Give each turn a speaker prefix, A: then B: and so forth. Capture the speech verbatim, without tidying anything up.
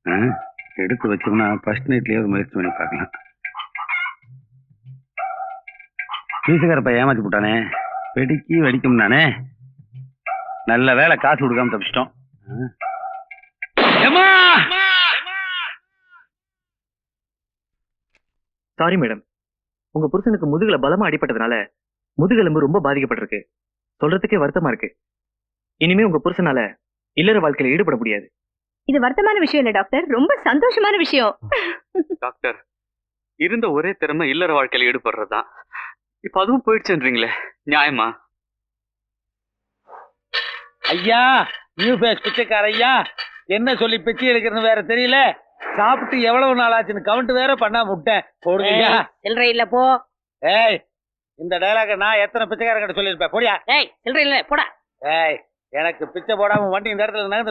A: எடுத்து வச்சோம்னா ஃபர்ஸ்ட் நைட்லயே முயற்சி பண்ணி பார்க்கலாம். வீசுகாரப்ப ஏமாத்தி போட்டானே, வெடிக்கி வெடிக்கும் தானே. நல்ல வேலை, காசு கொடுக்காம தப்பிச்சிட்டோம்.
B: சாரி மேடம், உங்க புருஷனுக்கு முதுகுல பலமா அடிபட்டதுனால முதுகெலும்பு ரொம்ப பாதிக்கப்பட்டிருக்கு. சொல்றதுக்கே வருத்தமா இருக்கு. இனிமே உங்க புருஷனால இல்லற வாழ்க்கையில ஈடுபட முடியாது.
C: இது வருத்தமான விஷயம் இல்ல டாக்டர், ரொம்ப சந்தோஷமான விஷயம்.
D: டாக்டர், இருந்த ஒரே திறமை இல்லற வாழ்க்கையில ஈடுபடுறதுதான். இப்ப அதுவும் போயிடுச்சுன்றீங்களே, நியாயமா?
A: ஐயா, நியூ பேஸ் பிச்சைக்கார ஐயா, என்ன சொல்லி பிச்சை எடுக்கிறன்னு வேற தெரியல. சாப்பிட்டு எவ்வளவு நாள் ஆச்சுன்னு கவுண்ட் வேற பண்ணாம விட்டேன். போடுங்க.
E: சில்லறை இல்ல போ.
A: ஏய், இந்த டைலாக நான் எத்தனை பிச்சைக்காரங்கிட்ட சொல்லியிருப்பேன். போடியா.
E: ஏய், சில்லறை இல்ல போடா.
A: ஏய், எனக்கு பிச்சை போடாம வண்டி இந்த இடத்துல